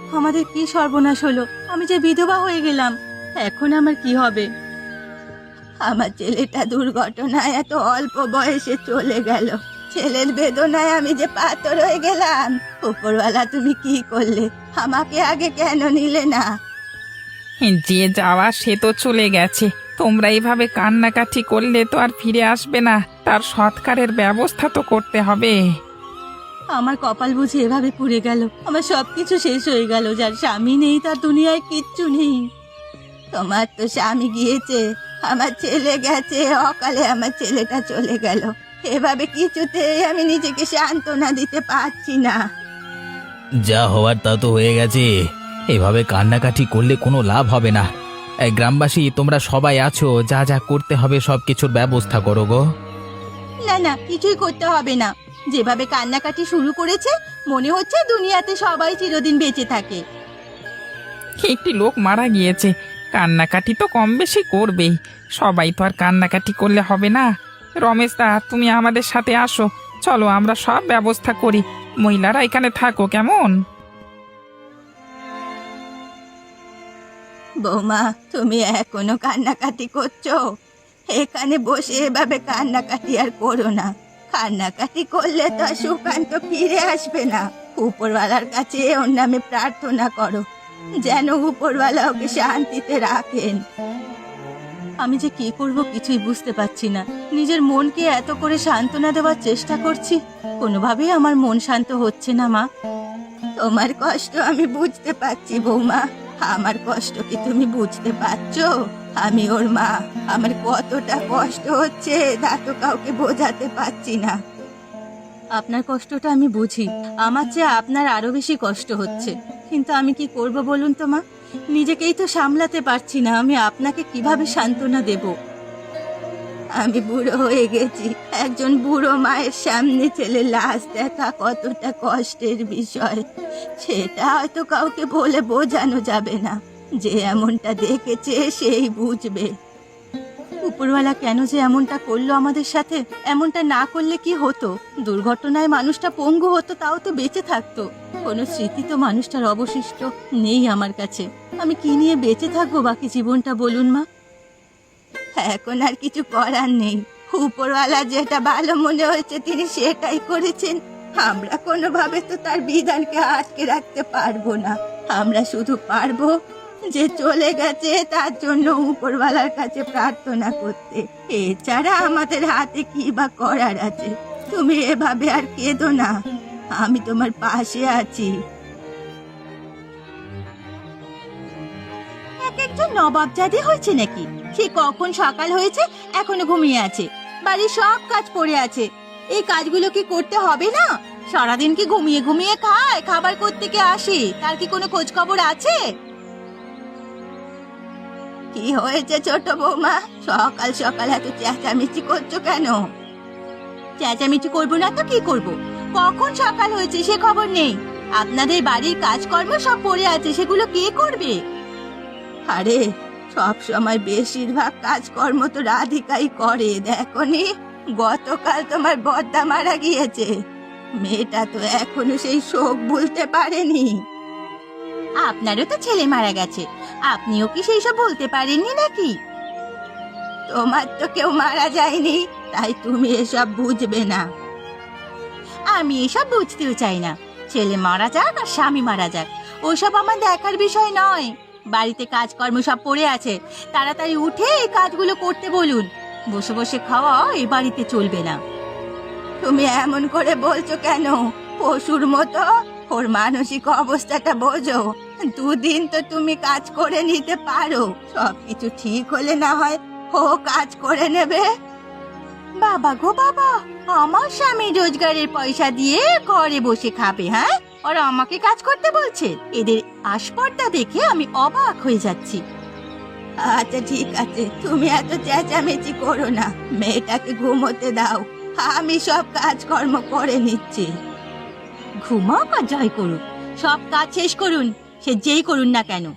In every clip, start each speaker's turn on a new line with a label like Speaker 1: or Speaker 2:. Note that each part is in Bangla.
Speaker 1: আমাদের কি সর্বনাশ হলো! আমি যে বিধবা হয়ে গেলাম, এখন আমার কি হবে? আমার ছেলেটা দুর্ঘটনায় এত অল্প বয়সে চলে গেল। ছেলের বেদনায় আমি যে পাথর হয়ে গেলাম। উপরওয়ালা, তুমি কি করলে? আমাকে আগে কেন নিলে না?
Speaker 2: যে যাওয়া সে তো চলে গেছে। তোমরা এইভাবে কান্নাকাটি করলে তো আর ফিরে আসবে না। তার সৎকারের ব্যবস্থা তো করতে হবে।
Speaker 1: আমার কপাল বুঝি এভাবে পুড়ে গেল। আমার সবকিছু শেষ হয়ে গেল। যার স্বামী নেই তার দুনিয়ায় কিচ্ছু নেই। তোমার তো স্বামী গিয়েছে, আমার ছেলে গেছে, অকালে আমার ছেলেটা চলে গেল। এভাবে কিছুতেই আমি নিজেকে সান্ত্বনা দিতে পারছি না।
Speaker 3: যা হওয়ার তা তো হয়ে গেছে। এভাবে কান্নাকাটি করলে কোনো লাভ হবে না। এই গ্রামবাসী তোমরা সবাই আছো, যা যা করতে হবে সব কিছুর ব্যবস্থা করো গো।
Speaker 1: না না, কিছুই করতে হবে না। যেভাবে কান্নাকাটি শুরু করেছে, মনে হচ্ছে দুনিয়াতে সবাই চিরদিন বেঁচে থাকে।
Speaker 2: একটি লোক মারা গিয়েছে, কান্নাকাটি তো কম বেশি করবেই। সবাই তো আর কান্নাকাটি করলে হবে না। রমেশ দা, তুমি আমাদের সাথে আসো। চলো, আমরা সব ব্যবস্থা করি। মহিলারা এখানে থাকো, কেমন?
Speaker 1: বৌমা, তুমি এখনো কান্নাকাটি করছো? এখানে বসে এভাবে কান্নাকাটি আর করো না। কান্নাকাটি করলে তো আর সুকান্ত ফিরে আসবে না। উপরওয়ালার কাছে ওর নামে প্রার্থনা করো, যেন উপরওয়ালা ওকে শান্তিতে রাখেন। আমি যে কি করব কিছুই বুঝতে পারছি না। নিজের মনকে এত করে সান্ত্বনা দেওয়ার চেষ্টা করছি, কোনোভাবেই আমার মন শান্ত হচ্ছে না। মা, তোমার কষ্ট আমি বুঝতে পারছি বৌমা। আমার কষ্ট কি তুমি বুঝতে পারছো? আমি ওর মা, আমার কতটা কষ্ট হচ্ছে তা তো কাউকে বোঝাতে পারছি না। আপনার কষ্টটা আমি বুঝি, আমার চেয়ে আপনার আরো বেশি কষ্ট হচ্ছে। কিন্তু আমি কি করব বলুন তো মা? নিজেকেই তো সামলাতে পারছি না। আমি আপনাকে কিভাবে সান্ত্বনা দেব? আমি বুড়ো হয়ে গেছি। একজন বুড়ো মায়ের সামনে ছেলে লাশ দেখা কতটা কষ্টের বিষয়, সেটা হয়তো কাউকে বলে বোঝানো যাবে না। যে এমনটা দেখেছে সেই বুঝবে। উপরওয়ালা কেন যে এমনটা করলো আমাদের সাথে? এমনটা না করলে কি হতো? দুর্ঘটনায় মানুষটা পঙ্গু হতো, তাও তো বেঁচে থাকতো। কোনো স্মৃতি তো মানুষটার অবশিষ্ট নেই আমার কাছে। আমি কি নিয়ে বেঁচে থাকবো বাকি জীবনটা বলুন মা? এখন আর কিছু করার নেই। উপরওয়ালা যেটা ভালো মনে হয়েছে তিনি সেটাই করেছেন। আমরা কোনোভাবে তো তার বিধানকে আটকে রাখতে পারবো না। আমরা শুধু পারবো যে চলে গেছে তার জন্য উপরওয়ালার কাছে প্রার্থনা করতে। এছাড়া আমাদের হাতে কি বা করার আছে? তুমি এভাবে আর কেঁদো না, আমি তোমার পাশে আছি। এক একজন নবাবজাদি হয়েছে নাকি? সে কখন সকাল হয়েছে এখনো ঘুমিয়ে আছে। বাড়ির সব কাজ পড়ে আছে, এই কাজগুলো কি করতে হবে না? সারাদিন কি ঘুমিয়ে ঘুমিয়ে খায়? খাবার করতে কে আসে? তার কি কোনো খোঁজ খবর আছে? কি হয়েছে ছোট বৌমা? সকাল সকাল এত চেঁচামেচি করছো কেন? চেঁচামেচি করবো না তো কি করব? কখন সকাল হয়েছে সে খবর নেই। আপনাদের বাড়ির কাজকর্ম সব পড়ে আছে, সেগুলো কে করবে? আরে, সব সময় বেশিরভাগ কাজকর্ম তো রাধিকাই করে। দেখনি, গতকাল তোমার বড়দা মারা গিয়েছে। মেয়েটা তো এখনো সেই শোক ভুলতে পারেনি। আপনারও তো ছেলে মারা গেছে, আপনিও কি সেই সব বলতে পারেননি নাকি? তোমার তো কেউ মারা যায়নি, তাই তুমি এসব বুঝবে না। আমি এসব বুঝতেও চাই না। ছেলে মারা যাক আর স্বামী মারা যাক, ওসব আমার দেখার বিষয় নয়। বাড়িতে কাজকর্ম সব পড়ে আছে, তাড়াতাড়ি উঠে এই কাজগুলো করতে বলুন। বসে বসে খাওয়া এ বাড়িতে চলবে না। তুমি এমন করে বলছো কেন? পশুর মতো ওর মানসিক অবস্থাটা বোঝো। দুদিন তো তুমি কাজ করে নিতে পারো, সবকিছু ঠিক হলে না হয় ও কাজ করে নেবে। বাবা গো বাবা, আমার স্বামী রোজগারের পয়সা দিয়ে ঘরে বসে খাবে, হ্যাঁ? আর আমাকে কাজ করতে বলছে? এদের আস্পর্ধা দেখে আমি অবাক হয়ে যাচ্ছি। আচ্ছা ঠিক আছে, তুমি এত চেঁচামেচি করো না, মেয়েটাকে ঘুমোতে দাও। আমি সব কাজকর্ম করে নিচ্ছি। ঘুমাও আর জয় করুন, সব কাজ শেষ করুন, সে যেই করুন না কেন।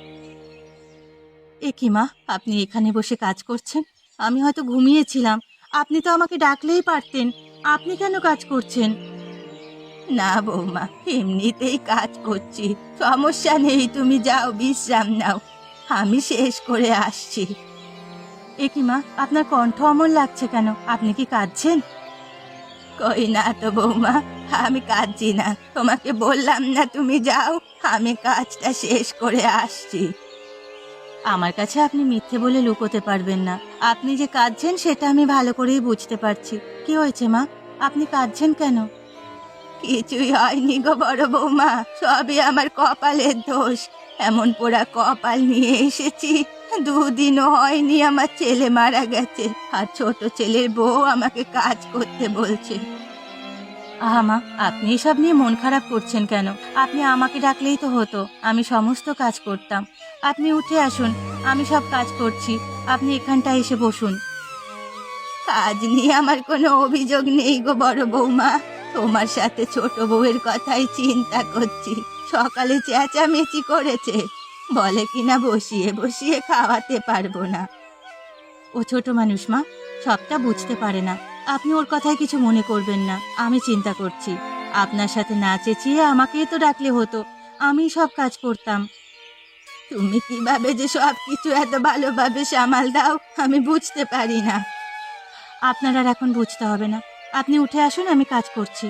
Speaker 1: এ কি মা, আপনি এখানে বসে কাজ করছেন? আমি হয়তো ঘুমিয়েছিলাম, আপনি তো আমাকে ডাকলেই পারতেন। আপনি কেন কাজ করছেন? না বৌমা, এমনিতেই কাজ করছি, সমস্যা নেই, তুমি যাও বিশ্রাম নাও, আমি শেষ করে আসছি। এ কি মা, আপনার কণ্ঠ অমন লাগছে কেন? আপনি কি কাঁদছেন? কই না তো বৌমা, আমি কাঁদছি না, তোমাকে বললাম না তুমি যাও, আমি কাজটা শেষ করে আসছি। আমার কাছে আপনি মিথ্যে বলে লুকোতে পারবেন না। আপনি যে কাঁদছেন সেটা আমি ভালো করেই বুঝতে পারছি। কি হয়েছে মা, আপনি কাঁদছেন কেন? কিছুই হয়নি গো বড় বৌমা, সবই আমার কপালের দোষ। এমন পোড়া কপাল নিয়ে এসেছি, দুদিনও হয়নি আমার ছেলে মারা গেছে, আর ছোট ছেলের বউ আমাকে কাজ করতে বলছে। আহা মা, আপনি এসব নিয়ে মন খারাপ করছেন কেন? আপনি আমাকে ডাকলেই তো হতো, আমি সমস্ত কাজ করতাম। আপনি উঠে আসুন, আমি সব কাজ করছি, আপনি এখানটায় এসে বসুন। কাজ নিয়ে আমার কোনো অভিযোগ নেই গো বড় বৌমা, তোমার সাথে ছোট বউয়ের কথাই চিন্তা করছি। সকালে চেঁচামেচি করেছে, বলে কিনা বসিয়ে বসিয়ে খাওয়াতে পারবো না। ও ছোট মানুষ মা, সবটা বুঝতে পারে না। আপনি ওর কথায় কিছু মনে করবেন না, আমি চিন্তা করছি। আপনার সাথে না চেঁচিয়ে আমাকেই তো ডাকলে হতো, আমি সব কাজ করতাম। তুমি কিভাবে যে সব কিছু এত ভালোভাবে সামাল দাও আমি বুঝতে পারি না। আপনার আর এখন বুঝতে হবে না, আপনি উঠে আসুন, আমি কাজ করছি।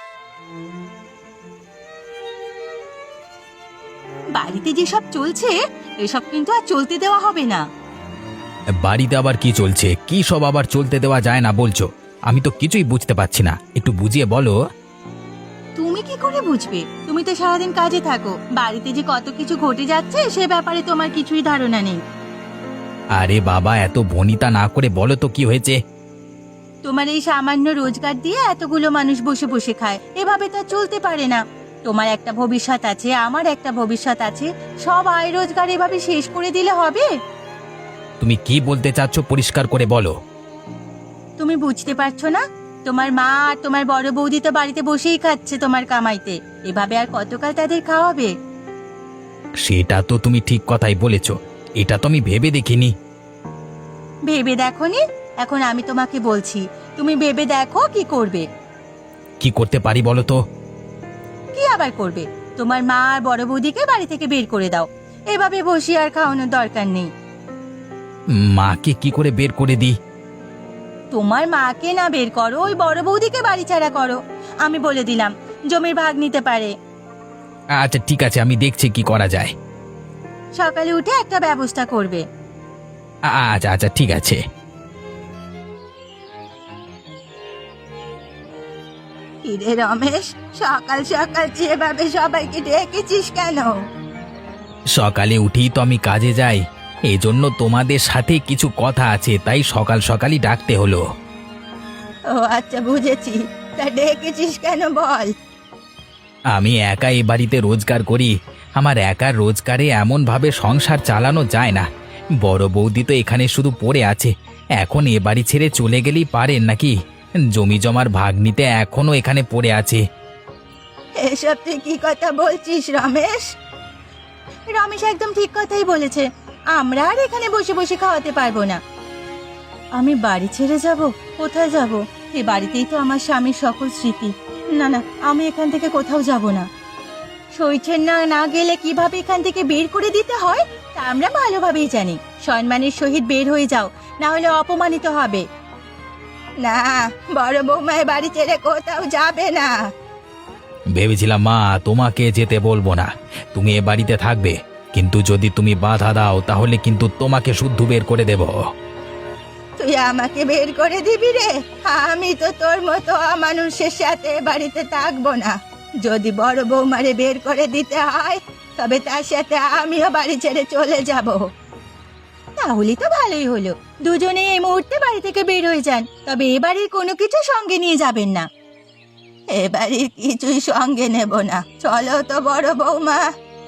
Speaker 1: বাড়িতে যেসব চলছে এসব কিন্তু আর চলতে দেওয়া হবে না।
Speaker 3: বাড়িতে আবার কি চলছে? কি সব আবার চলতে দেওয়া যায় না বলছো? আমি তো কিছুই বুঝতে পারছি না, একটু বুঝিয়ে বলো।
Speaker 1: তুমি কি করে বুঝবে? তুমি তো সারাদিন কাজে থাকো, বাড়িতে যে কত কিছু ঘটে যাচ্ছে সে ব্যাপারে তোমার কিছুই ধারণা নেই।
Speaker 3: আরে বাবা, এত ভনিতা না করে বলো তো কি হয়েছে।
Speaker 1: তোমার এই সামান্য রোজগার দিয়ে এতগুলো মানুষ বসে বসে খায়, এভাবে তো আর চলতে পারে না। তোমার একটা ভবিষ্যৎ আছে, আমার একটা ভবিষ্যৎ আছে, সব আয় রোজগার এভাবে শেষ করে দিলে হবে?
Speaker 3: তুমি কি বলতে চাচ্ছ পরিষ্কার করে বলো।
Speaker 1: তুমি বুঝতে পারছো না? তোমার মা আর তোমার বড় বৌদি তো বাড়িতে বসেই খাচ্ছে তোমার কামাইতে, এভাবে আর কতকাল তাদের খাওয়াবে?
Speaker 3: সেটা তো তুমি ঠিক কথাই বলেছ, এটা তো আমি ভেবে দেখিনি।
Speaker 1: ভেবে দেখোনি? এখন আমি তোমাকে বলছি, তুমি ভেবে দেখো কি করবে।
Speaker 3: কি করতে পারি বলো তো?
Speaker 1: কি আবার করবে? তোমার মা আর বড় বৌদিকে বাড়ি থেকে বের করে দাও, এভাবে বসে আর খাওয়ানোর দরকার নেই।
Speaker 3: মাকে কি করে বের করে দিই?
Speaker 1: তোমার মাকে না বের করো, ওই বড় বৌদিকে বাড়ি ছাড়া করো। আমি বলে দিলাম, জমির ভাগ নিতে পারে।
Speaker 3: আচ্ছা ঠিক আছে, আমি দেখছি কি করা যায়।
Speaker 1: সকালে উঠে একটা ব্যবস্থা করবে।
Speaker 3: আচ্ছা আচ্ছা ঠিক আছে।
Speaker 1: কিরে রমেশ, সকাল সকাল যেভাবে সবাইকে ডেকেছিস কেন?
Speaker 3: সকালে উঠেই তো আমি কাজে যাই, এই জন্য তোমাদের সাথে কিছু কথা আছে, তাই সকাল সকালই ডাকতে হলো।
Speaker 1: ও আচ্ছা, বুঝেছি, তা ডেকেছিস কেন বল।
Speaker 3: আমি একা এই বাড়িতে রোজগার করি, আমার একার রোজগারে এমনভাবে সংসার চালানো যায় না। বড় বৌদি তো এখানে শুধু পড়ে আছে, এখন এ বাড়ি ছেড়ে চলে গেলেই পারেন নাকি? জমি জমার ভাগ নিতে এখনো এখানে পড়ে আছে।
Speaker 1: এসব তুই কি কথা বলছিস রমেশ? রমেশ একদম ঠিক কথাই বলেছে, আমরা আর এখানে বসে বসে খাওয়াতে পারবো না। আমি বাড়ি ছেড়ে যাব? কোথায় যাব? এই বাড়িতেই তো আমার স্বামীর সকল স্মৃতি। না না, আমি এখান থেকে কোথাও যাব না। সইছেন না, না গেলে কিভাবে এখান থেকে বের করে দিতে হয় তা আমরা ভালোভাবেই জানি। সম্মানের সহিত বের হয়ে যাও, না হলে অপমানিত হবে। না, বড় বৌমায় বাড়ি ছেড়ে কোথাও যাবে না।
Speaker 3: ভেবেছিলাম মা তোমাকে যেতে বলবো না, তুমি এ বাড়িতে থাকবে, কিন্তু যদি তুমি বাধা দাও তাহলে কিন্তু তোমাকে শুদ্ধ বের করে দেব।
Speaker 1: তুই আমাকে বের করে দিবি রে? আমি তো তোর মতো অমানুষের সাথে বাড়িতে থাকবো না। যদি বড় বৌমারে বের করে দিতে হয় তবে তার সাথে আমিও বাড়ি ছেড়ে চলে যাব। তাহলে তো ভালোই হলো, দুজনে এই মুহূর্তে বাড়ি থেকে বের হয়ে যান, তবে এবারের কোনো কিছু সঙ্গে নিয়ে যাবেন না। এবারের কিছুই সঙ্গে নেব না, চলো তো বড় বৌমা।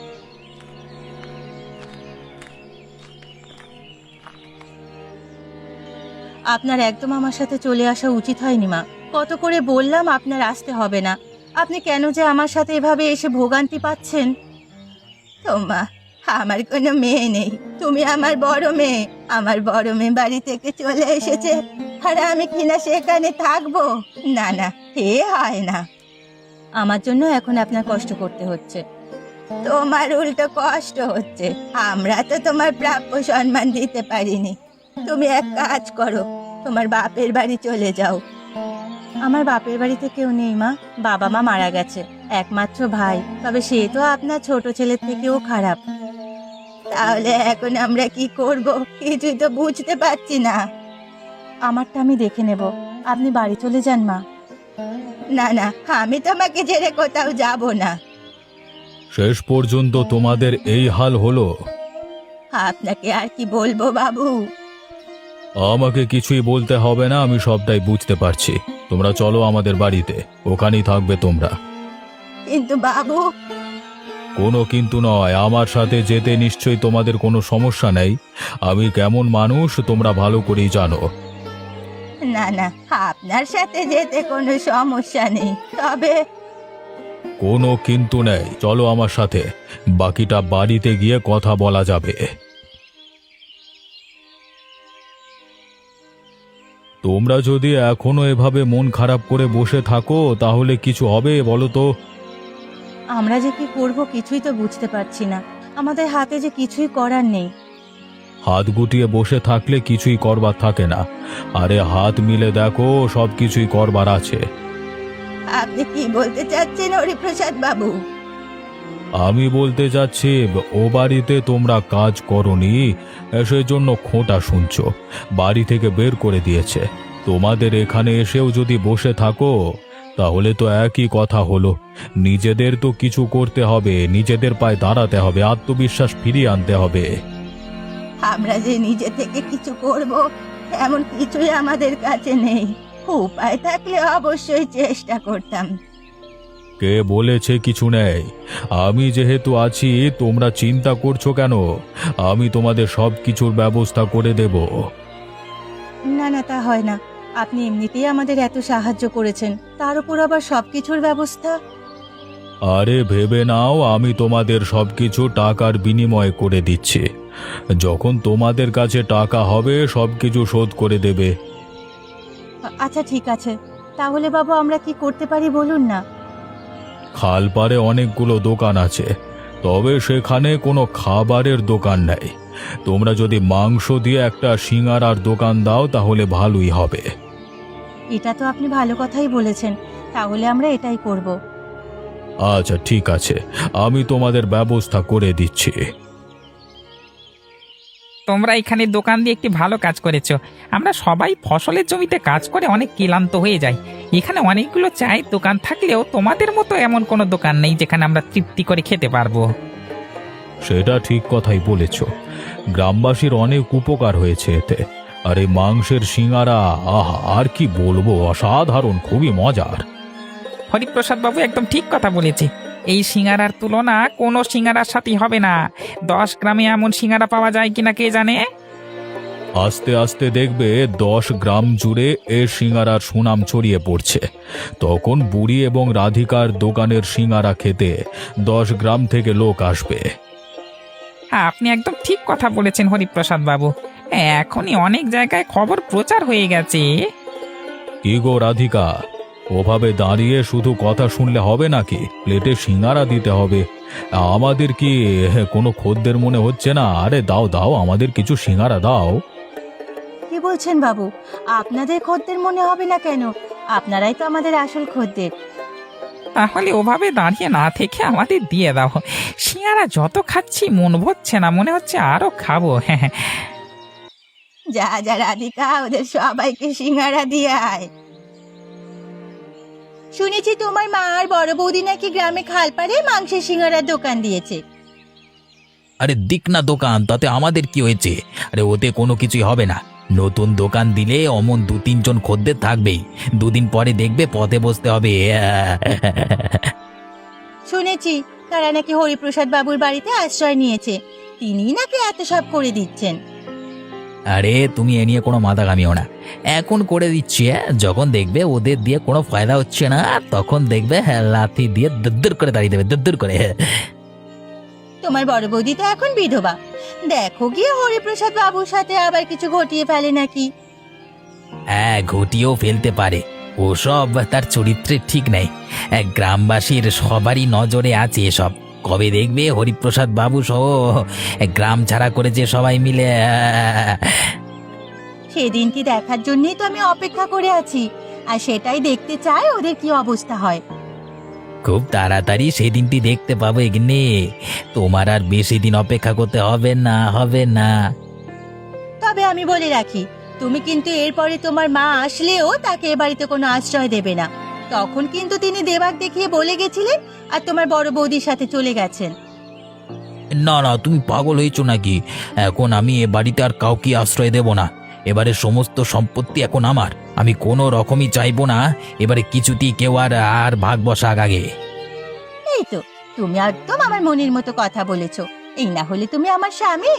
Speaker 1: আপনার একদম আমার সাথে চলে আসা উচিত হয়নি মা। কত করে বললাম আপনার আসতে হবে না, আপনি কেন যে আমার সাথে এভাবে এসে ভোগান্তি পাচ্ছেন? তোমা, আমার কোনো মেয়ে নেই, তুমি আমার বড় মেয়ে। আমার বড় মেয়ে বাড়ি থেকে চলে এসেছে, আর আমি কিনা সেখানে থাকবো? না না, এ হয় না। আমার জন্য এখন আপনার কষ্ট করতে হচ্ছে। তোমার উল্টো কষ্ট হচ্ছে। আমরা তো তোমার প্রাপ্য সম্মান দিতে পারিনি। তুমি এক কাজ করো, তোমার বাপের বাড়ি চলে যাও। আমার বাপের বাড়িতে কেউ নেই মা, বাবা মা মারা গেছে। একমাত্র ভাই, তবে সে তো আপনার ছোট ছেলের থেকেও খারাপ। তাহলে এখন আমরা কি করব কিছুই তো বুঝতে পারছি না। আমারটা আমি দেখে নেব, আপনি বাড়ি চলে যান মা। না না, আমি তোমাকে ছেড়ে কোথাও যাব না।
Speaker 4: শেষ পর্যন্ত তোমাদের এই হাল হলো।
Speaker 1: আপনাকে আর কি বলবো বাবু।
Speaker 4: আমাকে কিছুই বলতে হবে না, আমি সবটাই বুঝতে পারছি। তোমরা চলো আমাদের বাড়িতে, ওখানেই থাকবে তোমরা।
Speaker 1: কিন্তু বাবু।
Speaker 4: কোনো কিন্তু নয়, আমার সাথে যেতে নিশ্চয়ই তোমাদের কোনো সমস্যা নেই। আমি কেমন মানুষ তোমরা ভালো করেই জানো।
Speaker 1: না না, আপনার সাথে যেতে কোনো সমস্যা নেই, তবে
Speaker 4: কোনো কিন্তু নেই, চলো আমার সাথে, বাকিটা বাড়িতে গিয়ে কথা বলা যাবে। তোমরা যদি এখনো এভাবে মন খারাপ করে বসে থাকো তাহলে কিছু হবে বলো তো?
Speaker 1: আমরা যে কি করব কিছুই তো বুঝতে পারছি না। আমাদের হাতে যে কিছুই করার নেই।
Speaker 4: হাত গুটিয়ে বসে থাকলে কিছুই করবার থাকে না। আরে হাত মিলে দেখো, সব কিছুই করবার আছে।
Speaker 1: আপনি কি বলতে চাচ্ছেন হরিপ্রসাদ বাবু?
Speaker 4: আমি বলতে যাচ্ছি, ও বাড়িতে তোমরা কাজ করনি, সেজন্য খোঁটা শুনছো, বাড়ি থেকে বের করে দিয়েছে। তোমাদের এখানে এসেও যদি বসে থাকো তাহলে তো একই কথা হলো। নিজেদের তো কিছু করতে হবে, নিজেদের পায়ে দাঁড়াতে হবে, আত্মবিশ্বাস ফিরিয়ে আনতে হবে।
Speaker 1: আমরা যে নিজে থেকে কিছু করব এমন কিছুই আমাদের কাছে নেই। উপায় থাকলে অবশ্যই চেষ্টা করতাম।
Speaker 4: কে বলেছে কিছু নেই? আমি যেহেতু আছি, তোমরা চিন্তা করছো কেন? আমি তোমাদের সব কিছুর ব্যবস্থা করে দেব।
Speaker 1: না না, তা হয় না। আপনি এমনিতেই আমাদের এত সাহায্য করেছেন, তার উপর আবার সবকিছুর ব্যবস্থা।
Speaker 4: আরে ভেবে নাও, আমি তোমাদের সবকিছু টাকার বিনিময়ে করে দিচ্ছি। যখন তোমাদের কাছে টাকা হবে সবকিছু শোধ করে দেবে।
Speaker 1: আচ্ছা ঠিক আছে, তাহলে বাবু আমরা কি করতে পারি বলুন না।
Speaker 4: খালপাড়ে অনেকগুলো দোকান আছে, তবে সেখানে কোনো খাবারের দোকান নেই। তোমরা যদি মাংস দিয়ে একটা সিঙাড়ার দোকান দাও তাহলে ভালোই হবে।
Speaker 1: এটা তো আপনি ভালো কথাই বলেছেন, তাহলে আমরা এটাই করব।
Speaker 4: আচ্ছা ঠিক আছে, আমি তোমাদের ব্যবস্থা করে দিচ্ছি।
Speaker 2: তোমরা এখানে দোকান দিয়ে একটি ভালো কাজ করেছো। আমরা সবাই ফসলের জমিতে কাজ করে অনেক ক্লান্ত হয়ে যাই। এখানে অনেকগুলো চায়ের দোকান থাকলেও তোমাদের মতো এমন কোনো দোকান নেই যেখানে আমরা তৃপ্তি করে খেতে পারবো।
Speaker 4: সেটা ঠিক কথাই বলেছ, গ্রামবাসীর অনেক উপকার হয়েছে এতে। আর এই মাংসের সিঙাড়া, আহা, আর কি বলবো, অসাধারণ, খুবই মজার।
Speaker 2: হরিপ্রসাদ বাবু একদম ঠিক কথা বলেছে। এই সিঙ্গারার তুলনা কোনো সিঙ্গারার সাথে হবে না। 10 গ্রামে এমন সিঙ্গারা পাওয়া যায় কিনা কে জানে।
Speaker 4: আস্তে আস্তে দেখবে 10 গ্রাম জুড়ে এ সিঙারার সুনাম ছড়িয়ে পড়ছে। তখন বুড়ি এবং রাধিকার দোকানের সিঙারা খেতে 10 গ্রাম থেকে লোক আসবে।
Speaker 2: হ্যাঁ, আপনি একদম ঠিক কথা বলেছেন হরিপ্রসাদ বাবু। এখনই অনেক জায়গায় খবর প্রচার হয়ে গেছে।
Speaker 4: কি গো রাধিকা, ওভাবে দাঁড়িয়ে শুধু কথা শুনলে হবে নাকি? প্লেটে সিঙারা দিতে হবে। আমাদের কি কোনো খদ্দের মনে হচ্ছে না? আরে দাও দাও, আমাদের কিছু সিঙারা দাও।
Speaker 1: কি বলছেন বাবু? আপনাদের খদ্দের মনে হবে না কেন? আপনারাই তো আমাদের আসল খদ্দের।
Speaker 2: তাহলে ওভাবে দাঁড়িয়ে না থেকে আমাদের দিয়ে দাও। সিঙ্গারা যত খাচ্ছি মন ভরছে না, মনে হচ্ছে আরো খাবো। হ্যাঁ,
Speaker 1: যা যা রাধিকা, ওদের সবাইকে সিঙ্গারা দিয়ে আয়। শুনেছি তোমার মা আর বড় বৌদি নাকি গ্রামে খালপাড়ে মাংসের সিঙ্গারার দোকান দিয়েছে।
Speaker 3: আরে দিক না দোকান, তাতে আমাদের কি হয়েছে? আরে ওতে কোনো কিছুই হবে না। নতুন দোকান দিলে অমন 2-3 জন খদ্দের থাকবেই। 2 দিন পরে দেখবে পথে বসতে হবে।
Speaker 1: শুনেছি তারা নাকি হরিপ্রসাদ বাবুর বাড়িতে আশ্রয় নিয়েছে, তিনি নাকি এত সব করে দিচ্ছেন।
Speaker 3: আরে তুমি এ নিয়ে কোনো মাথা ঘামিও না, এখন করে দিচ্ছি। যখন দেখবে ওদের দিয়ে কোনো ফায়দা হচ্ছে না, তখন দেখবে লাথি দিয়ে দদ্দুর করে দাঁড়িয়ে দেবে, দদ্দুর করে।
Speaker 1: তোমার বড় বৌদি তো এখন বিধবা, দেখো গিয়ে হরিপ্রসাদ বাবুর সাথে আবার কিছু ঘটিয়ে ফেলে নাকি।
Speaker 3: হ্যাঁ, ঘটিয়েও ফেলতে পারে। ওসব তার চরিত্রের ঠিক নেই। গ্রামবাসীর সবারই নজরে আছে এসব। কবে দেখবে হরিপ্রসাদ বাবু সহ গ্রাম ছাড়া করেছে সবাই মিলে।
Speaker 1: সেদিনটি দেখার জন্যই তো আমি অপেক্ষা করে আছি, আর সেটাই দেখতে চাই ওদের কি অবস্থা হয়।
Speaker 3: খুব তাড়াতাড়ি সেদিনটি দেখতে পাবো এগিনে। তোমার আর বেশি দিন অপেক্ষা করতে হবে না, হবে না।
Speaker 1: তবে আমি বলে রাখি, তুমি কিন্তু এরপরে তোমার মা আসলেও তাকে এ বাড়িতে কোনো আশ্রয় দেবে না। তখন কিন্তু তিনি দেবাক দেখিয়ে বলে গেছিলেন, আর তোমার বড় বৌদির সাথে চলে গেছেন।
Speaker 3: না না, তুমি পাগল হয়েছো নাকি? এখন আমি এ বাড়িতে আর কাউকে আশ্রয় দেব না। এবারে সমস্ত সম্পত্তি এখন আমার। আমি কোনো রকমই চাইবো না এবারে কিছুতেই কেউ আর ভাগ বসাক আগে।
Speaker 1: এই তো, তুমি একদম আমার মনের মতো কথা বলেছো। এই না হলে তুমি আমার স্বামী।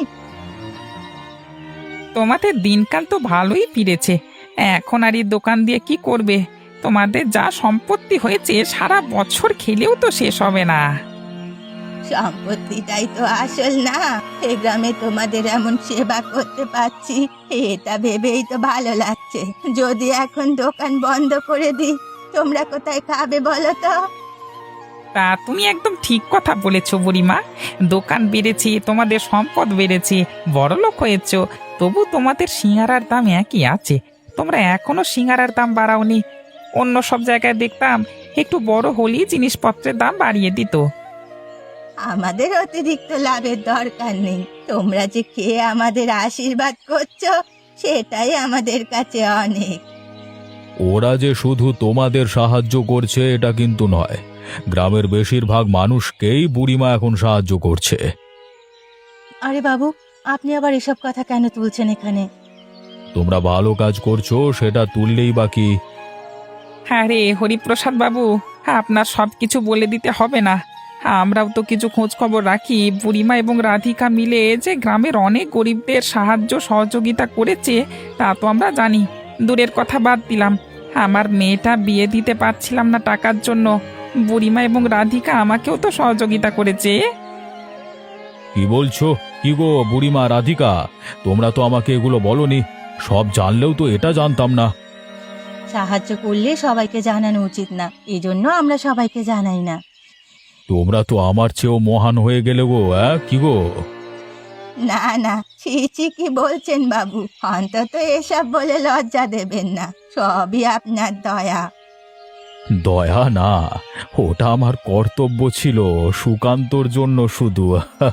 Speaker 2: তোমাদের দিনকাল তো ভালোই ফিরেছে। এখন আর এই দোকান দিয়ে কি করবে? তোমাদের যা সম্পত্তি হয়েছে সারা বছর খেলেও তো শেষ হবে না।
Speaker 1: সম্পত্তিটাই তো আসল না, এই গ্রামে তোমাদের এমন সেবা করতে পারছি, এটা ভেবেই তো ভালো লাগছে। যদি এখন দোকান বন্ধ করে দিই, তোমরা কোথায় খাবে বলো তো?
Speaker 2: তা তুমি একদম ঠিক কথা বলেছো বুড়িমা। দোকান বেড়েছে, তোমাদের সম্পদ বেড়েছে, বড়লোক হয়েছ, তবু তোমাদের সিঙ্গারার দাম একই আছে। তোমরা এখনো সিঙ্গারার দাম বাড়াওনি। অন্য সব জায়গায় দেখতাম একটু বড় হলেই জিনিসপত্রের দাম বাড়িয়ে দিত।
Speaker 1: আমাদের অতিরিক্ত লাভের দরকার নেই, তোমরা যে খেয়ে আমাদের আশীর্বাদ করছো সেটাই আমাদের কাছে অনেক।
Speaker 4: ওরা যে শুধু তোমাদের সাহায্য করছে এটা কিন্তু নয়, গ্রামের বেশিরভাগ মানুষকেই বুড়িমা এখন সাহায্য করছে।
Speaker 1: আরে বাবু, আপনি আবার এসব কথা কেন তুলছেন এখানে?
Speaker 4: তোমরা ভালো কাজ করছো, সেটা তুললেই বাকি।
Speaker 2: হ্যাঁ রে হরিপ্রসাদ বাবু, আপনার সব কিছু বলে দিতে হবে না। আমরাও তো কিছু খোঁজ খবর রাখি। বুড়িমা এবং রাধিকা মিলে যে গ্রামের অনেক গরিবদের সাহায্য সহযোগিতা করেছে তা তো আমরা জানি। দূরের কথা বাদ দিলাম, আমার মেয়েটা বিয়ে দিতে পারছিলাম না টাকার জন্য, বুড়িমা এবং রাধিকা আমাকেও তো সহযোগিতা করেছে।
Speaker 4: কি বলছো? কি গো বুড়িমা, রাধিকা, তোমরা তো আমাকে এগুলো বলনি। সব জানলেও তো এটা জানতাম না।
Speaker 1: সাহায্য করলে সবাইকে জানানো উচিত না, এই জন্য আমরা সবাইকে জানাই না।
Speaker 4: তোমরা তো আমার চেয়েও মহান হয়ে গেলে গো। কি গো?
Speaker 1: না না, ছি ছি, কি বলছেন বাবু? অন্তত এসব বলে লজ্জা দেবেন না, সবই আপনার দয়া।
Speaker 4: দয়া না, ওটা আমার কর্তব্য ছিল, সুকান্তর জন্য শুধু।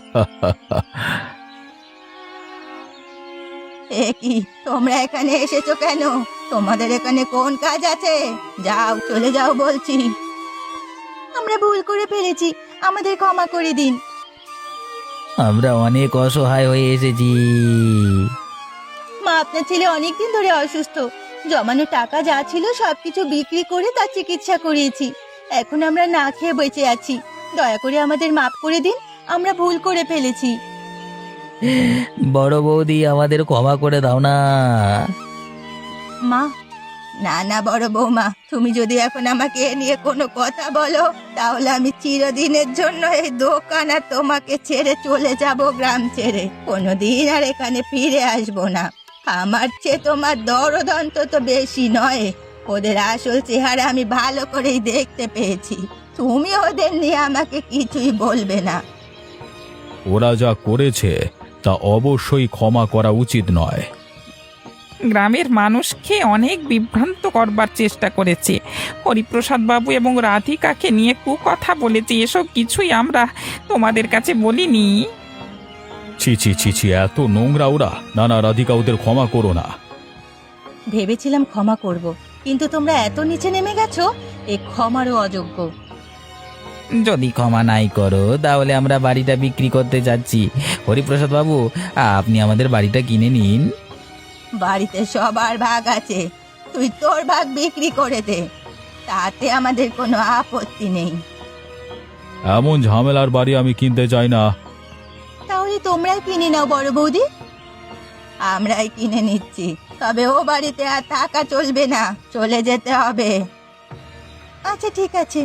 Speaker 1: এ কি, তোমরা এখানে এসেছো কেন? তোমাদের এখানে কোন কাজ আছে? যাও, চলে যাও বলছি। আমরা ভুল করে ফেলেছি, আমাদের ক্ষমা করে দিন।
Speaker 3: আমরা অনেক অসহায় হয়ে এসেছি।
Speaker 1: মা, আপনার ছেলে অনেকদিন ধরে অসুস্থ। জমানো টাকা যা ছিল সবকিছু বিক্রি করে তার চিকিৎসা করিয়েছি। এখন আমরা না খেয়ে বেঁচে আছি। দয়া করে আমাদের মাফ করে দিন, আমরা ভুল করে ফেলেছি।
Speaker 3: বড় বৌদি, আমাদের ক্ষমা করে দাও না।
Speaker 1: মা, না না বড় বৌমা, তুমি যদি এখন আমাকে এ নিয়ে কোনো কথা বলো, তাহলে আমি চিরদিনের জন্য এই দোকান আর তোমাকে ছেড়ে চলে যাব গ্রাম ছেড়ে। কোনোদিন আর এখানে ফিরে আসবো না। আমার চেয়ে তোমার দরদ অন্তত বেশি নয়। ওদের আসল চেহারা আমি ভালো করেই দেখতে পেয়েছি। তুমি ওদের নিয়ে আমাকে কিছুই বলবে না।
Speaker 4: ওরা যা করেছে তা অবশ্যই ক্ষমা করা উচিত নয়।
Speaker 2: গ্রামের মানুষকে অনেক বিভ্রান্ত করবার চেষ্টা করেছে। হরিপ্রসাদ বাবু এবং রাধিকাকে নিয়ে কুকথা বলেছে, এসব কিছুই আমরা তোমাদের কাছে বলিনি।
Speaker 4: ছি ছি ছি ছি, এত নোংরা ওরা। না না রাধিকা, ওদের ক্ষমা করো না।
Speaker 1: ভেবেছিলাম ক্ষমা করব, কিন্তু তোমরা এত নিচে নেমে গেছো, এ ক্ষমারও অযোগ্য।
Speaker 3: যদি ক্ষমা নাই করো তাহলে আমরা বাড়িটা বিক্রি করতে যাচ্ছি। হরিপ্রসাদ বাবু, আপনি আমাদের বাড়িটা কিনে নিন।
Speaker 1: বাড়িতে সবার ভাগ আছে, তুই তোর ভাগ বিক্রি করে দে, তাতে আমাদের কোনো আপত্তি নেই।
Speaker 4: এমন ঝামেলার বাড়ি আমি কিনতে চাই না।
Speaker 1: তাহলে তোমরাই কিনে নাও বড় বৌদি। আমরাই কিনে নিচ্ছি, তবে ও বাড়িতে আর থাকা চলবে না, চলে যেতে হবে। আচ্ছা ঠিক আছে।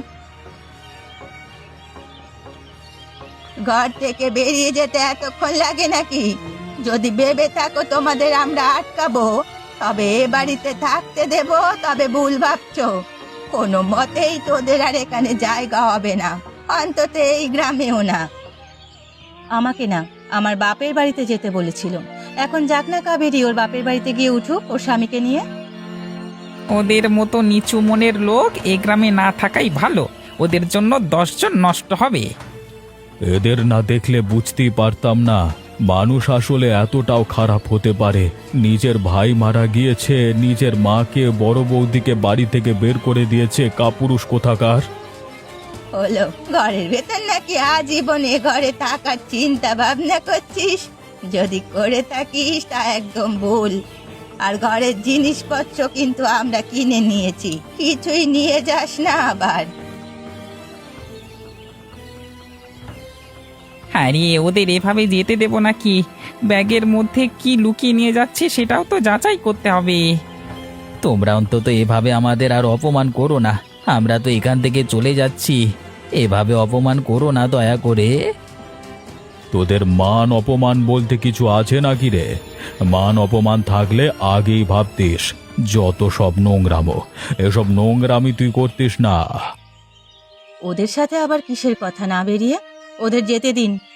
Speaker 1: ঘর থেকে বেরিয়ে যেতে এতক্ষণ লাগে নাকি? যদি ভেবে থাকো তোমাদের আমরা আটকাবো, তবে এ বাড়িতে থাকতে দেব, তবে ভুল ভাবছো। কোনো মতেই তোদের আর এখানে জায়গা হবে না, অন্তত এই গ্রামেও না। আমাকে না, আমার বাপের বাড়িতে যেতে বলেছিল। এখন যাক না কাবেরী, ওর বাপের বাড়িতে গিয়ে উঠুক ওর স্বামীকে নিয়ে।
Speaker 2: ওদের মতো নিচু মনের লোক এ গ্রামে না থাকাই ভালো, ওদের জন্য 10 জন নষ্ট হবে।
Speaker 4: এদের না দেখলে বুঝতেই পারতাম না মানুষ আসলে এতটাও খারাপ হতে পারে। নিজের ভাই মারা গিয়েছে, নিজের মাকে বড় বৌদিকে বাড়ি থেকে বের করে দিয়েছে, কাপুরুষ কোথাকার।
Speaker 1: হলো, ঘরের ভেতর নাকি আজীবন এ ঘরে থাকার চিন্তা ভাবনা করছিস? যদি করে থাকিস তা একদম ভুল। আর ঘরের জিনিসপত্র কিন্তু আমরা কিনে নিয়েছি, কিছুই নিয়ে যাস না আবার।
Speaker 2: আরে ওদের এভাবে যেতে দেব নাকি? ব্যাগের মধ্যে কি লুকিয়ে নিয়ে যাচ্ছে সেটাও তো যাচাই করতে হবে।
Speaker 3: তোমরা অন্তত এভাবে আমাদের আর অপমান করো না, আমরা তো এখান থেকে চলে যাচ্ছি। এভাবে অপমান করো না দয়া করে।
Speaker 4: তোদের মান অপমান বলতে কিছু আছে নাকি রে? মান অপমান থাকলে আগেই ভাবতিস। যত সব নোংরামো, এসব নোংরামি তুই করতিস না।
Speaker 1: ওদের সাথে আবার কিসের কথা না বেরিয়ে ওদের যেতে দিন।